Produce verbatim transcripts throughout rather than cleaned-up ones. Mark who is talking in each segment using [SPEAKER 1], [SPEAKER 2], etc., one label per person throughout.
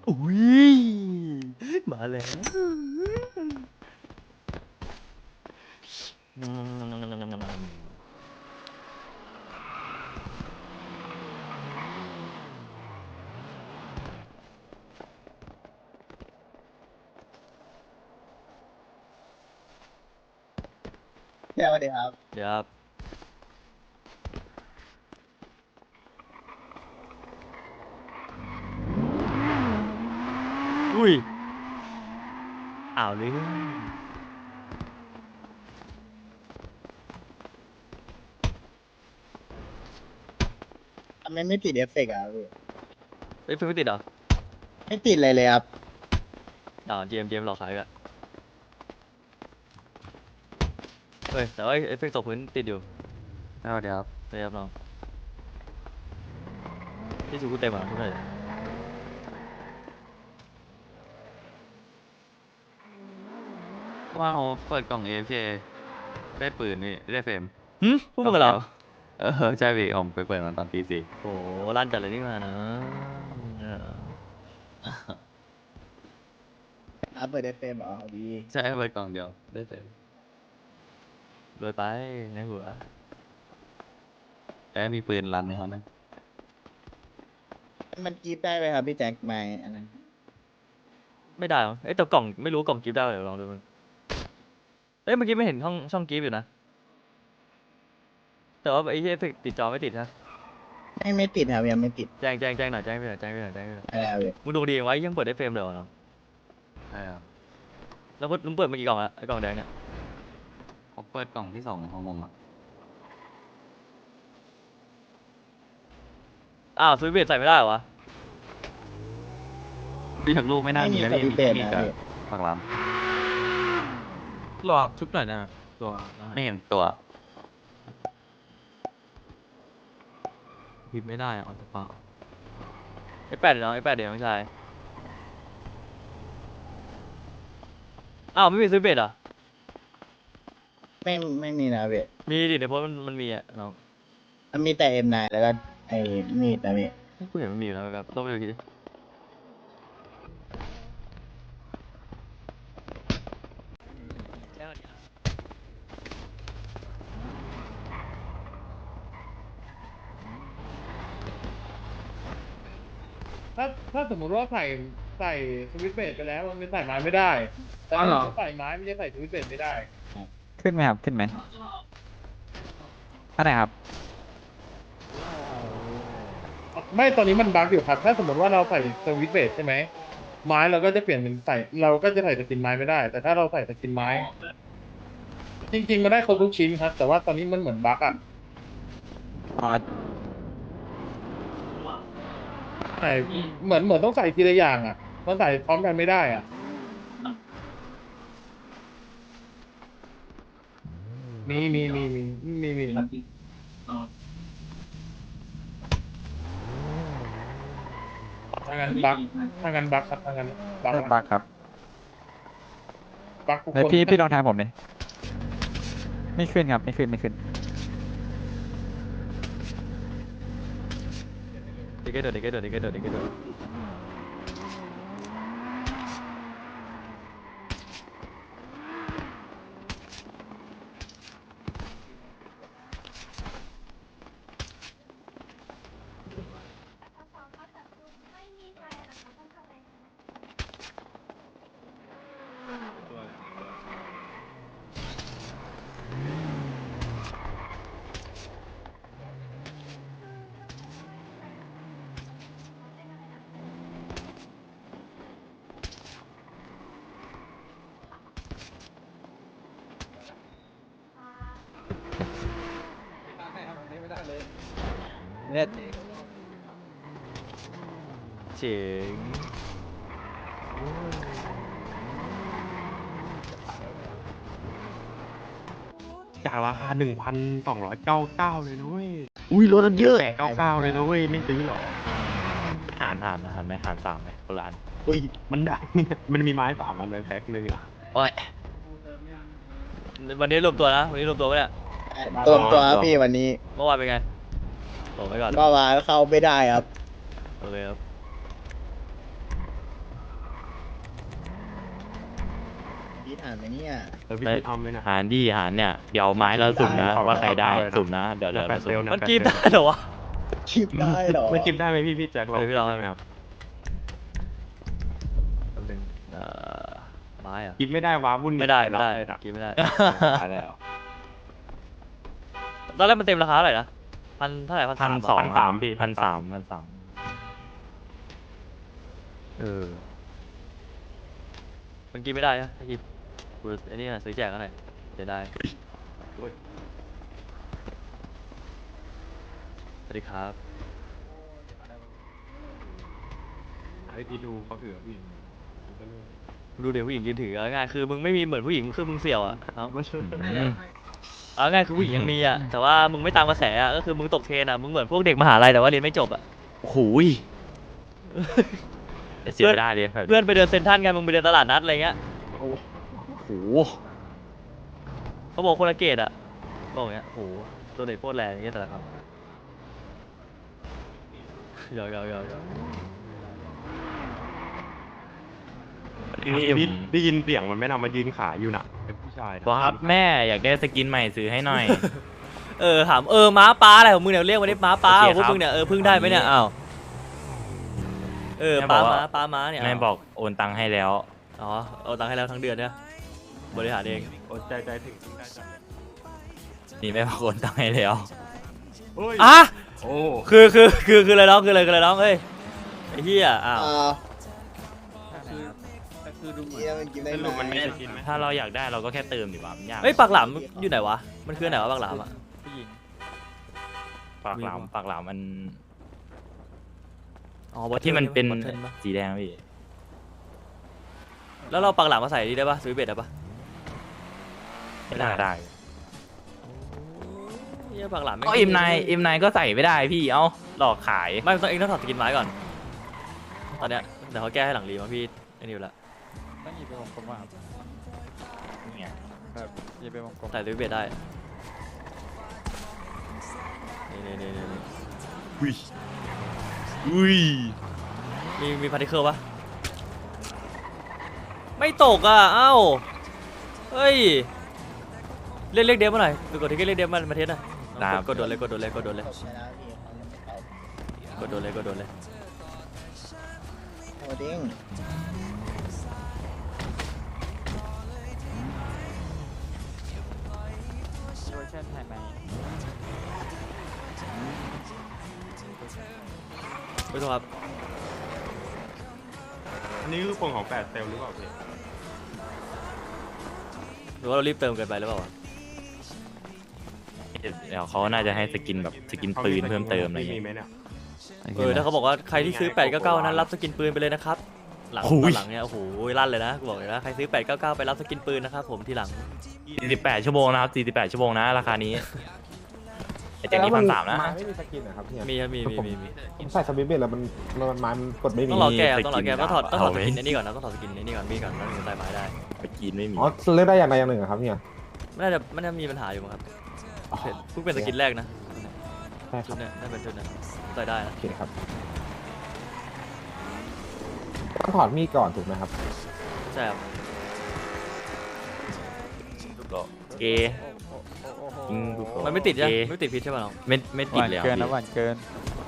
[SPEAKER 1] อุ้ยมาแล้ว
[SPEAKER 2] เดี๋ยวสวัสดีครับ
[SPEAKER 1] เดี๋ยวครับอุ้ยอ้าวเลย
[SPEAKER 2] ทำไมไม่ติดเอฟเฟกต์อ่ะพี่
[SPEAKER 1] เอ้ยเพิ่งไม่ติดเหรอ
[SPEAKER 2] ไม่ติดเลยเลยครับ
[SPEAKER 1] อ๋อเจมเจมหลอกขายกันเฮ้ยแต่ว่าเอฟเฟกต์ตกพื้นติดอยู่เอาเดี๋ยวครับเดี๋ยวครับน้องที่สูกูเต็มอ่ะทุกคนเลย
[SPEAKER 3] ว่าเขาเปิดกล่อง เอ เอฟ เค ได้ปืนนี่ได้เฟรม
[SPEAKER 1] หืมพูดมึงเหรอ
[SPEAKER 3] รอบเดียวเออใช่พี่ผมไปเปิดมันตอนตีสี่
[SPEAKER 1] โอ้ลั่นจัดเลยนี่มานะเออ
[SPEAKER 2] อ่ะเปิดเอฟเอ็มอ๋อดี
[SPEAKER 3] ใช่เปิดกล่องเดียวได้เฟรม
[SPEAKER 1] รวยไปในหัว
[SPEAKER 3] แต่มีปืนรันในเขานะ
[SPEAKER 2] มันกรีบได้ไหมครับพี่แจ็คไม่อันนั้น
[SPEAKER 1] ไม่ได้หรอเอ้ยแต่กล่องไม่รู้กล่องกิฟต์ได้เดี๋ยวลองดูมันเอ้ยเมื่อกี้ไม่เห็นช่องช่องกิฟต์อยู่นะแต่ว่าไอ้เอฟเฟกต์ติดจอไม่ติดนะ
[SPEAKER 2] ไม่ไม่ติดครับยังไม่ติด
[SPEAKER 1] แจ้งแจ้งแจ้งหน่อยแจ้งไปหน่อยแจ้งไปหน่อยแจ้งไปหน่อย
[SPEAKER 2] อะไรครับพี่
[SPEAKER 1] มึงดูดีไว้ยังเปิดได้เฟรมเลยเหรอเนาะ
[SPEAKER 3] ใช่ครับ
[SPEAKER 1] แล้วมึงเปิดมากี่กล่องอะไอ้กล่องแดงเนี่ย
[SPEAKER 3] ผมเปิดกล่องที่สองของผมอ่ะ
[SPEAKER 1] อ้าวสวิตช์เบสใส่ไม่ได้เหรอวะ
[SPEAKER 3] พี่ถักลูกไม่น่า
[SPEAKER 2] ไม่มี
[SPEAKER 3] มีแล้ว
[SPEAKER 2] ส
[SPEAKER 3] พี่
[SPEAKER 2] วิตช์เบส
[SPEAKER 3] มี
[SPEAKER 2] นะ
[SPEAKER 3] กับ
[SPEAKER 2] พี่
[SPEAKER 3] ฝั่งร้าน
[SPEAKER 4] รอชุบหน่อยนะตัวได้
[SPEAKER 3] ไม่เห็นตัว
[SPEAKER 4] พิมพ์ไม่ได้อะออนสปา
[SPEAKER 1] ไอ้แปดเนาะไอ้แปดเดี๋ยวน้องชายอ้าวไม่มีสวิตช์เบสเหรอ
[SPEAKER 2] ไม่ไม่มีนะพี่
[SPEAKER 1] มีดิในโพสต์มันมันมีอะน้อง
[SPEAKER 2] มันมีแต่เอ็มไนแล้วก็ไอ้มีดนะพี่
[SPEAKER 1] กูเห็นมันมีอยู่นะแบบต้องไปดูที
[SPEAKER 5] ถ้าถ้าสมมติว่าใส่ใส่สวิตช์เบรดไปแล้วมันเป็นใส่ไม้ไม่ได้แต่ถ้าเราใส่ไม้ไม่ใช่ใส่สวิตช์เบรดไม่ได้
[SPEAKER 6] ขึ้นไหมครับ ขึ้นไหมอันไหนครับ
[SPEAKER 5] ไม่ตอนนี้มันบั๊กอยู่ครับถ้าสมมติว่าเราใส่สวิตช์เบรดใช่ไหมไม้เราก็จะเปลี่ยนเป็นใส่เราก็จะใส่สกินไม้ไม่ได้ แต่ถ้าเราใส่สกินไม้ จริงๆมันได้ครบทุกชิ้นครับ แต่ว่าตอนนี้มันเหมือนบั๊กอ่ะ
[SPEAKER 6] อ๋อ
[SPEAKER 5] ใส่เหมือนเหมือนต้องใส่ทีละอย่างอ่ะมันใส่พร้อมกันไม่ได้อ่ะมีมีมีมีมีมีทางานบั๊กทางานบั๊กครับทางานบั๊ก
[SPEAKER 6] รถบักครับ
[SPEAKER 5] บั๊กทุก
[SPEAKER 6] แล้ว
[SPEAKER 5] คน
[SPEAKER 6] พี่พี่ลองทางผมเลยไม่ขึ้นครับ ไม่ขึ้น ไม่ขึ้น
[SPEAKER 1] เด็กเกอร์โดดเด็กเกอร์โดดเด็กเกอร์โดดเด็กเกอร์โดด
[SPEAKER 6] เนี่ย
[SPEAKER 1] เจ๋ง
[SPEAKER 4] จากราคาหนึ่งพันสองร้อยเก้าเก้าเลยนะเว้ย
[SPEAKER 2] อุ้ยรถมันเยอะ
[SPEAKER 4] แปดเก้าเก้าเลยนะเว้ย ไม่ซื้อหรอ
[SPEAKER 1] หารหารหารไหมหารสามไหมคนละอัน
[SPEAKER 4] อุ้ย มันได้ มันมีไม้สามอันในแพ็คเลยอ่ะ
[SPEAKER 1] โอ้ยวันนี้รวมตัวนะวันนี้รวมตัวปะเนี่ย
[SPEAKER 2] รวมตัวครับพี่วันนี้
[SPEAKER 1] เมื่อวานเป็นไงโอ้ไปก่อน
[SPEAKER 2] ก็มาเข้าไม่ได้ครับ
[SPEAKER 1] โอเคครับ
[SPEAKER 2] ทหารไหมเนี่ย
[SPEAKER 4] เออพี่ทำเลยนะ
[SPEAKER 1] หารดีหารเนี่ยเดี๋ยวไม้เราสุ่มนะ
[SPEAKER 4] ได้
[SPEAKER 1] ว่าใครได้
[SPEAKER 4] เอาเลยนะ
[SPEAKER 1] สุ่มนะเดี๋ยวเดี๋ยว
[SPEAKER 4] แปด
[SPEAKER 1] เราสุ่ม
[SPEAKER 4] เซลล์นะ
[SPEAKER 1] มัน
[SPEAKER 4] แปด
[SPEAKER 1] กีบ
[SPEAKER 4] เซลล์
[SPEAKER 1] ได้เหรอวะ
[SPEAKER 2] คิดได้เหรอ
[SPEAKER 4] ไม่คิดได้ไหมพี่พี่แจ็ค
[SPEAKER 1] เออพี่ลอง
[SPEAKER 4] ได้ไหมครับ
[SPEAKER 1] แป๊บนึงเอ่อไม้อะ
[SPEAKER 4] คิดไม่ได้ว้าวุ่น
[SPEAKER 1] ไม่ได้ไม่ได้
[SPEAKER 4] รับ
[SPEAKER 1] กินไม่ได้
[SPEAKER 4] ตายแล้ว
[SPEAKER 1] ตอนแรกมันเต็มราคาเท่าไหร่นะพันเท่าไหร่พัน
[SPEAKER 4] พัน
[SPEAKER 1] สอง
[SPEAKER 4] สามพี่
[SPEAKER 1] พันสามพันสามเออมันกินไม่ได้นะถ้ากินกูไอ้นี่นะซื้อแจกกันหน่อยเสียดาย
[SPEAKER 4] โอ้ย
[SPEAKER 1] สวัสดีครับ
[SPEAKER 4] ไอ้ที่ดูเขาเอือพี่
[SPEAKER 1] ดูเดี๋ยวผู้หญิงยืนถือเอาง่ายคือมึงไม่มีเหมือนผู้หญิงคือมึงเสี่ยวอ่ะเอา
[SPEAKER 4] ไม่ใช่
[SPEAKER 1] เอาง่ายคือผู้หญิงยังมีอ่ะแต่ว่ามึงไม่ตามกระแสอ่ะก็คือมึงตกเทรนอ่ะมึงเหมือนพวกเด็กมหาลัยแต่ว่าเรียนไม่จบอ่ะ
[SPEAKER 7] โอ้โหยเสียไม่ได้เลยแบบ
[SPEAKER 1] เพื่อนไปเดินเซ็นทรัลกันมึงไปเดินตลาดนัดอะไรเงี้ย
[SPEAKER 7] โอ้โห
[SPEAKER 1] เขาบอกคนละเกตอ่ะบอกอย่างเงี้ยโอ้โหตัวเด็กโคตรแรงอย่างเงี้ยแต่ละครับยาวยาวยาวยาว
[SPEAKER 4] นี่พี่ได้ยินเสียงมันไม่นำมายืนขายอยู่น่ะเป็นผู้ชายนะ
[SPEAKER 7] บอสครับแม่อยากได้สกินใหม่ซื้อให้หน่อย
[SPEAKER 1] เออถามเออม้าป้าอะไรของมึงเนี่ยเรียกว่าได้ม้าป้า
[SPEAKER 7] โอเค
[SPEAKER 1] ของพวก
[SPEAKER 7] ครับ
[SPEAKER 1] มึงเนี่ยเออพึ่งได้ไหมเนี่ยอ้าวเออ
[SPEAKER 7] แม่
[SPEAKER 1] ป้า
[SPEAKER 7] บอกว่า
[SPEAKER 1] ม้าป้าม้าเนี่ย
[SPEAKER 7] แม่บอกโอนตังค์ให้แล้ว
[SPEAKER 1] อ๋อเอาตังค์ให้แล้วทั้งเดือนเนี่ยบริหารเอง
[SPEAKER 4] โอ้ใจใจถึงได้จังเลย
[SPEAKER 7] นี่แม่บอกโอนตังค์ให้แล้ว
[SPEAKER 4] โอ้ย
[SPEAKER 1] อ่ะ
[SPEAKER 4] โอ้
[SPEAKER 1] คือคือคือคืออะไรน้องคืออะไรคืออะไรน้องเอ้ยไอ้เหี้ยอ้าว
[SPEAKER 2] อ่า
[SPEAKER 5] แต่คือดูเหมือน
[SPEAKER 2] เฮียมันกินได้
[SPEAKER 4] สรุปมัน
[SPEAKER 2] ไหม
[SPEAKER 4] ไม่ได้กินไหม
[SPEAKER 7] ถ้าเราอยากได้เราก็แค่เติมดีกว่ามันยาก
[SPEAKER 1] เฮ้ยปากหลามอยู่ไหนวะมันคือไหนวะปากหลามอ่ะผู้หญิง
[SPEAKER 7] ปากหลามปากหลามมัน
[SPEAKER 1] อ๋อบอท
[SPEAKER 7] ที่มันเป็น
[SPEAKER 1] บอททิลปะ
[SPEAKER 7] สีแดงพี่
[SPEAKER 1] แล้วเราปากหลามมาใส่ดีได้ปะซื้อเบ็ดได้ปะ
[SPEAKER 7] ไม่น่าได้
[SPEAKER 1] เหี้ยปากหลามแม่ง
[SPEAKER 7] ก็เอ็มนายเอ็มนายก็ใส่ไม่ได้พี่เอ้าหลอกขาย
[SPEAKER 1] ไม่ต้องเองต้องถอดสกินไม้ก่อน ตอนเนี้ยเดี๋ยวเขาแก้ให้หลังรีมาพี่ไอ้นิวละ
[SPEAKER 6] ต้องหยิบไปวงกลมมาครับ
[SPEAKER 7] เนี่ย
[SPEAKER 6] แบบหยิบไปวงกลม
[SPEAKER 1] ใส่ซื้อเบ็ดได้นี่นี่นี่นี่
[SPEAKER 7] อุ้ยอุ้ย
[SPEAKER 1] มีมีพาร์ติเคิลปะไม่ตกอ่ะเอ้าเฮ้ยเรียกเรียกเดฟมาหน่อยไปกดที่เรียกเดฟมามาเทสหน่อยกดกดโดนเลยกดโดนเลยกดโดนเลย
[SPEAKER 2] ตบไปแล้วพี่เขายังไม่ตอบ
[SPEAKER 1] กดโดนเลยกดโดนเลย
[SPEAKER 2] โอ้ดิ้ง
[SPEAKER 6] เวอร์ชันไทยไหม
[SPEAKER 1] ไม่ต้องครับ
[SPEAKER 4] อันนี้คือปงของแปดเซลล์หรือเปล่าพี่
[SPEAKER 1] หรือว่าเรารีบเติมเกินไปหรือเปล่าวะ
[SPEAKER 7] เดี๋ยวเขาน่าจะให้สกินแบบสกินปืนเพิ่มเติมอะไร
[SPEAKER 4] มี
[SPEAKER 7] เงี้ย
[SPEAKER 4] ไหมเนี่ย
[SPEAKER 1] เออถ้าเขาบอกว่าใครที่ซื้อแปดเก้าเก้านั้นรับสกินปืนไปเลยนะครับหลังตอนหลังเนี่ยโอ้โหลั่นเลยนะกูบอกเลยนะใครซื้อแปดเก้าเก้าไปรับสกินปืนนะครับผมทีหลัง
[SPEAKER 7] สี่สิบแปดชั่วโมงนะครับสี่สิบแปดชั่วโมงนะราคานี้ไอ้แจ็คนี้พันสามนะ
[SPEAKER 8] ไม้ไม่มีสกินเหรอครับเนี่ย
[SPEAKER 1] มีครับมีมีมีมี
[SPEAKER 8] ผมใส่สวิตช์เบรแล้วมันมันไม้มันกดไม่มี
[SPEAKER 1] ต้องรอแก้
[SPEAKER 7] มี
[SPEAKER 1] ต้องรอแก้
[SPEAKER 7] สกิน
[SPEAKER 1] ต้องถอดต้องถอดส
[SPEAKER 7] เอาไหม
[SPEAKER 1] กินไอ้นี่ก่อนนะต้องถอดสกินไอ้นี่ก่อนมีก่อนแล้วถึงจะใส่ไม้ได้
[SPEAKER 7] สกินไม่มี
[SPEAKER 8] อ๋อเลือกได้อย่างใดอย่างหนึ่งเหรอครับเนี่ย
[SPEAKER 1] ไม่น่าจะไม่น่ามีปัญหาอยู่มั้งครับเพิ่งเป็นสกินแรกนะ
[SPEAKER 8] ใช่ค
[SPEAKER 1] ชุ
[SPEAKER 8] รั
[SPEAKER 1] ด
[SPEAKER 8] บ
[SPEAKER 1] เนี้ยน่าเป็นชุดเนี้ยใส่ได้นะ
[SPEAKER 8] โอเคครับต้องถอดมีดก่อนถูกไหมครับ
[SPEAKER 1] ใช่ครับ
[SPEAKER 7] เกยิงลูกโป่ง
[SPEAKER 1] มันไม่ติดใช่ไหม
[SPEAKER 7] เก
[SPEAKER 1] ไม่ติดพิษใช่ป่ะน้อง
[SPEAKER 7] ไม่ไม่
[SPEAKER 6] ห
[SPEAKER 7] ติด
[SPEAKER 6] วาน
[SPEAKER 7] เลย
[SPEAKER 6] เกิน
[SPEAKER 7] ค
[SPEAKER 6] นะ
[SPEAKER 7] รับ
[SPEAKER 6] หวานเกิน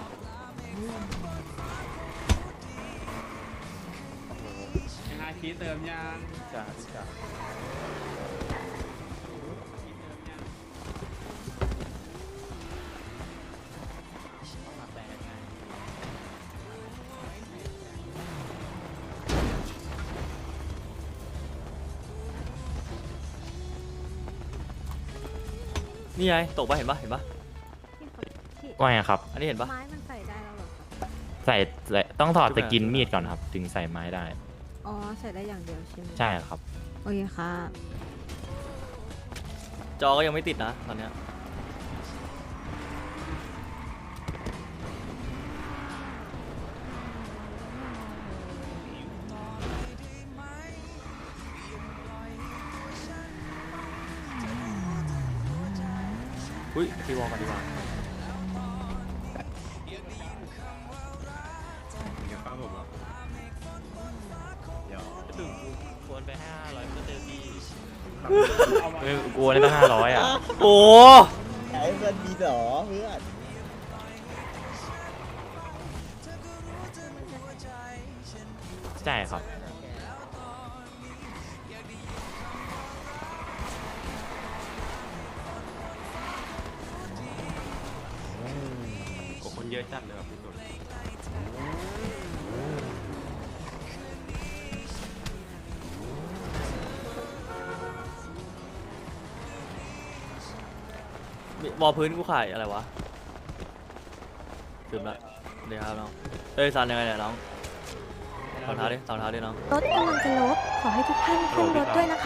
[SPEAKER 5] ฮาคีเติมยาง
[SPEAKER 6] จ่าพี่จ่า
[SPEAKER 1] นี่ไงตกปะเห็นปะเห็นปะ
[SPEAKER 7] ว่าไงครับ
[SPEAKER 1] อันนี้เห็นปะ
[SPEAKER 9] ไม้มันใส่ได้แล้วเหรอครับ
[SPEAKER 7] ใส่ใส่ต้องถอดสกินมีดก่อนครับ ถึงใส่ไม้ได้
[SPEAKER 9] อ๋อ ใส่ได้อย่างเดียวใช่ไหม
[SPEAKER 7] ใช่ครับ
[SPEAKER 9] โอเคค่ะ
[SPEAKER 1] จอก็ยังไม่ติดนะตอนเนี้ยอุ้ยทีวอลกันดีกว่า
[SPEAKER 7] ควรไปห้าร้อยก็เจอพี่เออกลัวได้ตั้งห้าร้อยอ่ะ
[SPEAKER 1] โอ้
[SPEAKER 2] ไอ้เพื่อนมีสอเพื่อน
[SPEAKER 7] ใช่ครับ
[SPEAKER 4] โอ้คนเยอะจัดเลยแบบพี่ตุน
[SPEAKER 1] วอลพื้นกูขายอะไรวะลืมละเดี๋ยวครับน้องเอ้ยซันยังไงเนี่ยน้องสองเท้าดิสองเท้าดิน้อง
[SPEAKER 9] รถกำลังจะลบ ขอให้ทุกท่านขึ้นรถด้วยนะคะ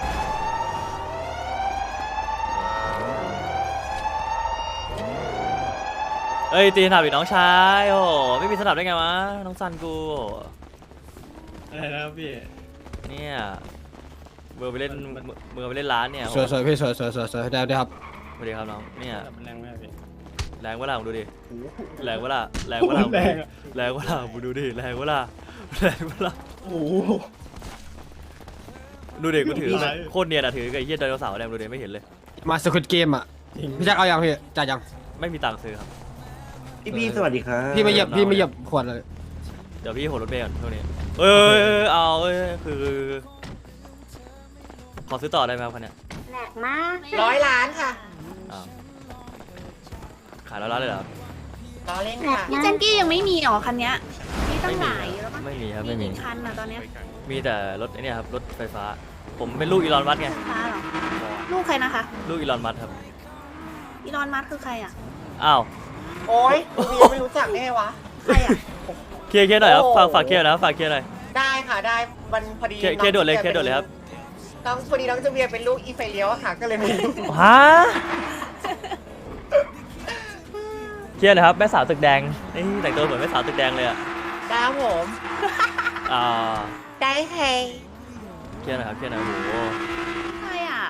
[SPEAKER 1] เอ้ยตีสนับอีกน้องชายโอ้ไม่มีสนับได้ไงวะน้องซันกูอะไรนะพี่เนี่ยเมื่อไปเล่นเมื่อไปเล่นร้านเนี่ย
[SPEAKER 10] สวยสวยพี่สวยสวยสวยสวยได้ได้ครับ
[SPEAKER 1] สวัสดีครับน้องเนี่ย
[SPEAKER 10] แรงไหมพี่
[SPEAKER 1] แรงวะล่ะมึงดูดิแรงวะล่ะแรงวะล่ะแรงแรงวะล่ะมึงดูดิแรงวะล่ะแรงวะล่ะ
[SPEAKER 10] โอ้
[SPEAKER 1] ดูดิกูถือโคตรเนียนอะถือกับไอ้เหี้ยไดโนเสาร์เนี่ยดูดิไม่เห็นเลย
[SPEAKER 10] มาสควิดเกมอ่ะพี่แจ็คเอายังพี่จ่ายยัง
[SPEAKER 1] ไม่มีตังค์ซื้อครับ
[SPEAKER 10] พี่พี่สวัสดีครับพี่ไม่เหยียบพี่ไม่เหยียบขวดเลย
[SPEAKER 1] เดี๋ยวพี่โหดรถเมล์ก่อนช่วงนี้เอ้ยเอาเอ้ยคือขอซื้อต่อได้ไหมครับคันเนี้ย
[SPEAKER 9] แหลกมาก
[SPEAKER 11] ร้อยล้านค่ะ
[SPEAKER 1] อ้าวขายแล้วร้านเลยเหรอ
[SPEAKER 11] ล้อเล่นค่ะ
[SPEAKER 9] พี่แจนกี้ยังไม่มีหรอคันเนี้ยมีตั้งหลายแล้วมั้ง
[SPEAKER 1] ไม่มีครับไม่มี
[SPEAKER 9] กี่คันอะตอนเนี้ย
[SPEAKER 1] มีแต่รถไอ้เนี่ยครับรถไฟฟ้า ผมเป็นลูกอีลอนมัสก์ไง
[SPEAKER 9] ฟ้าเหรอ ลูกใครนะคะ
[SPEAKER 1] ลูกอีลอนมัสก์ครับ
[SPEAKER 9] อีลอนมัสก์คือใครอะ
[SPEAKER 1] อ้าว
[SPEAKER 11] โอ๊ยกูยังไม่รู้จักได้ไงวะ
[SPEAKER 9] ใครอะ
[SPEAKER 1] เคลียร์เคลียร์หน่อยครับ
[SPEAKER 11] โอ้
[SPEAKER 1] ฝากฝากเคลียร์นะฝากเคลียร์หน่อย
[SPEAKER 11] ได้ค่ะได้มันพอดี
[SPEAKER 1] เคลียร์เคลียร์ด่วนเลยเคลียร์ด่วนเลยครับ
[SPEAKER 11] น้องพอดีน้องจะเวียเป็นลูกอีไฟเลี้ยวอะค่ะ ก็เลยไม่รู้
[SPEAKER 1] ฮะเคลียร์เลยครับแม่สาวตึกแดงนี่แต่งตัวเหมือนแม่สาวตึกแดงเลยอ่ะ
[SPEAKER 11] ได้ครับผม
[SPEAKER 1] อ่า
[SPEAKER 11] ได้ใคร
[SPEAKER 1] เคลียร์หน่อยครับเคลียร์หน่อยโอ้โห
[SPEAKER 9] ใครอะ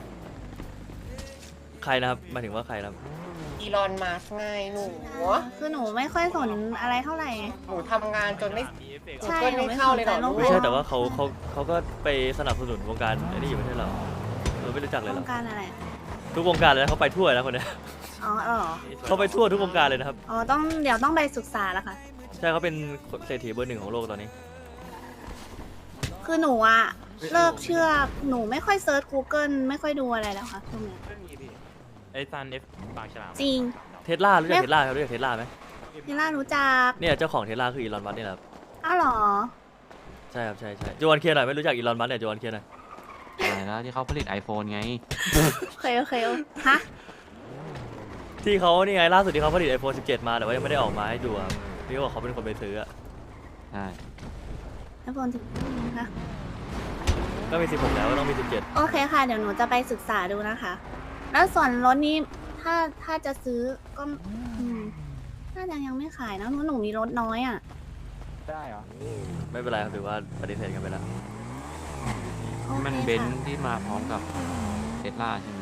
[SPEAKER 1] ใครนะครับหมายถึงว่าใครนะครับ
[SPEAKER 11] อีลอนมาสไงหนู
[SPEAKER 9] คือหนูไม่ค่อยสนอะไรเท่าไหร่
[SPEAKER 11] หนูทำงานจนไม่
[SPEAKER 9] ใช่
[SPEAKER 11] ก็
[SPEAKER 9] หนู
[SPEAKER 11] ไม่
[SPEAKER 9] ไม่
[SPEAKER 11] เข้าเลยเหรอ
[SPEAKER 9] สนใจโลก
[SPEAKER 1] ไม่ใช่แต่ว่าเขาเขาเขาก็ไปสนับสนุนวงการไอ้นี่อยู่ไม่ใช่เหรอเราไม่รู้จักเลยเหร
[SPEAKER 9] ว
[SPEAKER 1] อง
[SPEAKER 9] การอะไร
[SPEAKER 1] ทุกวงการเลยนะเขาไปทั่วนะคนเนี้ย
[SPEAKER 9] อ๋อเหรอ
[SPEAKER 1] เขาไปทั่วทุกวงการเลยนะครับ
[SPEAKER 9] อ๋อต้องเดี๋ยวต้องไปศึกษาแล้วค่ะ
[SPEAKER 1] ใช่เขาเป็นเศรษฐีเบอร์หนึ่งของโลกตอนนี้
[SPEAKER 9] คือหนูอะเลิกเชื่อหนูไม่ค่อยเซิร์ช Google ไม่ค่อยดูอะไรแล้วค่ะช่วงเนี้ย
[SPEAKER 7] ไอ้ซันเอฟปากฉลาม
[SPEAKER 9] จริง
[SPEAKER 1] เทสลารู้จักเทสลาครับรู้จักเทสลาไหม
[SPEAKER 9] นี่ล่ารู้จัก
[SPEAKER 1] เนี่ยเจ้าของเทสลาคืออีลอนมัสก์นี่แหละครับ
[SPEAKER 9] อ้าวเหรอ
[SPEAKER 1] ใช่ครับใช่ใช่โจวันเคลียร์หน่อยไม่รู้จักอีลอนมัสก์เนี่ยโจวันเคลียร์หน่อย
[SPEAKER 3] อะไรแล้วที่เขาผลิต iPhone ไง
[SPEAKER 9] โอเคโอเคโอฮะ
[SPEAKER 1] ที่เขานี่ไงล่าสุดที่เขาผลิต ไอโฟน สิบเจ็ด มาแต่ว่ายังไม่ได้ออกมาให้ดูอะพี่ก็บอกเขาเป็นคนไปซื้ออะ
[SPEAKER 3] ใช่
[SPEAKER 9] ไอโฟนสิบนะคะ
[SPEAKER 1] ก็มี สิบหก แล้วก็ต้องมี สิบเจ็ด
[SPEAKER 9] โอเคค่ะ เดี๋ยวหนูจะไปศึกษาดูนะคะ แล้วส่วนรถนี้ถ้าถ้าจะซื้อก็อืมน่าจะยังไม่ขายนะหนูหนูมีรถน้อยอ่ะ
[SPEAKER 6] ได้เหรอ
[SPEAKER 1] ไม่เป็นไรครับถือว่าปฏิเสธกันไปแล้ว
[SPEAKER 9] โอเค
[SPEAKER 3] มัน
[SPEAKER 9] ค่ะ
[SPEAKER 3] เบนซ์ที่มาพร้อมกับเทสลาใช่ไหม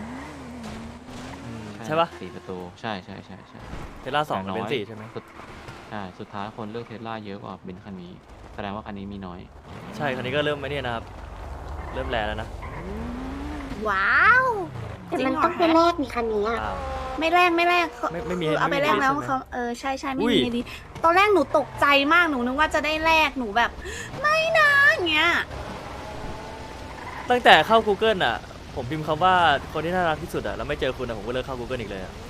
[SPEAKER 1] ใช่ปะ
[SPEAKER 3] สี่ประตูใช่ใช่ใช่ใช่
[SPEAKER 1] เทสลาสอง
[SPEAKER 3] แต่
[SPEAKER 1] เป็นสี่ใช่ไหม
[SPEAKER 3] สุดใช่สุดท้ายคนเลือกเทสลาเยอะกว่าเบนซ์คันนี้ แสดงว่าคันนี้มีน้อย
[SPEAKER 1] ใช่คันนี้ก็เริ่มไม่เนี่ยนะครับ เริ่มแลแล้วนะ
[SPEAKER 9] ว้าวจริงเหรอคะ
[SPEAKER 1] อ้าว
[SPEAKER 9] ไม่แลกไม่แลกเขา
[SPEAKER 1] ไม่ไม่มี
[SPEAKER 9] คือเอาไป
[SPEAKER 1] ไม่มี
[SPEAKER 9] แลกแล้ว
[SPEAKER 1] ใช่ไหม
[SPEAKER 9] เขาเออใช่ใช่ไม่
[SPEAKER 1] อุ้ย
[SPEAKER 9] มีดีตอนแรกหนูตกใจมากหนูนึกว่าจะได้แลกหนูแบบ ไม่นะอย่างเงี้ย
[SPEAKER 1] ตั้งแต่เข้า Google อ่ะ ผมพิมพ์คำว่าคนที่น่ารักที่สุดอ่ะแล้วไม่เจอคุณอ่ะผมก็เลิกเข้า Google อีกเลยอ่ะ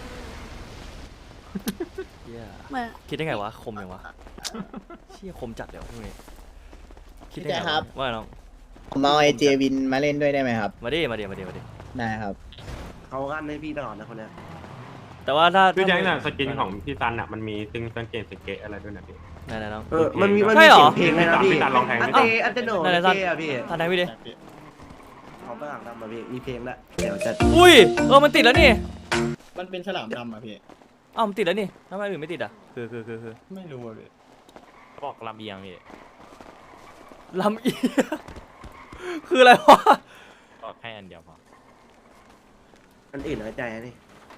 [SPEAKER 1] เหี้ย
[SPEAKER 9] เหมือน
[SPEAKER 1] คิดได้ไงวะคมยังวะเชี่ยคมจัดเลยวะพวกนี้คิดได้
[SPEAKER 2] พี่
[SPEAKER 1] ไง
[SPEAKER 2] แจ๊คครับ
[SPEAKER 1] ว่าไงน้อง
[SPEAKER 2] ผมเอาไอเจวินมาเล่นด้วยได้ไหมครับ
[SPEAKER 1] มาดิมาดิมาดิมาดิ
[SPEAKER 2] ได้ครับ
[SPEAKER 10] เขากันให้พี่ตลอดนะคนเนี้ย
[SPEAKER 1] แต่ว่าถ้า
[SPEAKER 4] พี่แจ็คน่ะ
[SPEAKER 1] ถ้า
[SPEAKER 4] สกินของพี่ซันอ่ะมันมีตึงสังเกตสเกตอะไรด้วยนะพี่
[SPEAKER 1] ไหนๆน้อง
[SPEAKER 10] เออมันมีมัน
[SPEAKER 1] ใช่
[SPEAKER 10] มี
[SPEAKER 1] เหรอ
[SPEAKER 10] เสียงเพลงเลยนะพี่
[SPEAKER 4] พี่ซันลองแทง
[SPEAKER 10] อัน
[SPEAKER 4] ดิ
[SPEAKER 10] เตอันเตโน
[SPEAKER 1] ไหนๆซัน
[SPEAKER 10] เจอะพี่
[SPEAKER 1] ทันไหนพี่ดิ
[SPEAKER 10] เขาฝรั่งทำมาพี่มีเพลงละเดี๋ยวจะ
[SPEAKER 1] อุ้ยเออมันติดแล้วนี่
[SPEAKER 10] มันเป็นฉลามดำอ่ะพี่
[SPEAKER 1] อ้าวมันติดแล้วนี่ทำไมอื่นไม่ติดอ่ะคือคือคือคือ
[SPEAKER 10] ไม่รู้อ่ะพี่
[SPEAKER 7] เขาบอกลำเอียงพี่
[SPEAKER 1] ลำเอียงคืออะไรวะ
[SPEAKER 7] บอกแค่อันเดียวพอ
[SPEAKER 10] อันอื่นน้อยใจนะนี่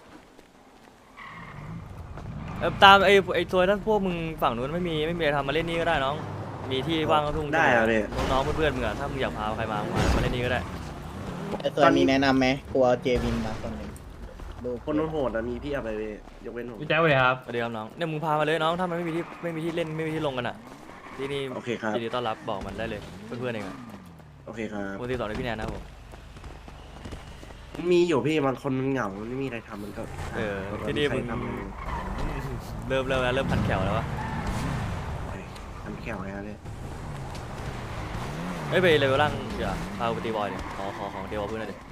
[SPEAKER 1] เออตามไอ้ไอ้ตัวท่านพวกมึงฝั่งนู้นไม่มีไม่มีอะไรทำมาเล่นนี่ก็ได้น้อง มีที่ว่างก็ทุ่ง
[SPEAKER 10] ได้เหรอพี่
[SPEAKER 1] น้องๆเพื่อนๆมึงอะถ้ามึงอยากพาใครมามามาเล่นนี่ก็ได้
[SPEAKER 2] ไอ้ส่วนมีแนะนำไหมกลัวเจวินมาคนหนึ่งดู
[SPEAKER 10] คนโหดๆอะมีพี่อะไรพี่ยกเว้นผม
[SPEAKER 7] พี่แจ๊คเลยครับ
[SPEAKER 1] สวัสดีครับน้องเนี่ยมึงพามาเลยน้องถ้ามันไม่มีที่ไม่มีที่เล่นไม่มีที่ลงกันอ่ะที่นี่
[SPEAKER 10] โอเคครับ
[SPEAKER 1] ยินดีต้อนรับบอกมันได้เลยเพื่อนๆเองอ่ะ
[SPEAKER 10] โอเคครับ
[SPEAKER 1] ปกติสอนในพี่แนนนะครับผม
[SPEAKER 10] มีอยู่พี่บางคนมันเหงามันไม่มีอะไรทำมันก็
[SPEAKER 1] เออ
[SPEAKER 10] หา
[SPEAKER 1] ที่นี่
[SPEAKER 10] ใคร
[SPEAKER 1] มึง
[SPEAKER 10] ทำอะไร
[SPEAKER 1] เริ่มเริ่มแล้วเริ่มพันแขวแล้ววะ
[SPEAKER 10] ทำแข่วไงฮะเนี่ย
[SPEAKER 1] เอ้ยไปเลเวลล่างเดี๋ยวพาไปตีบอยเดี๋ยวขอขอของเดวเพื่อนหน่อยดิ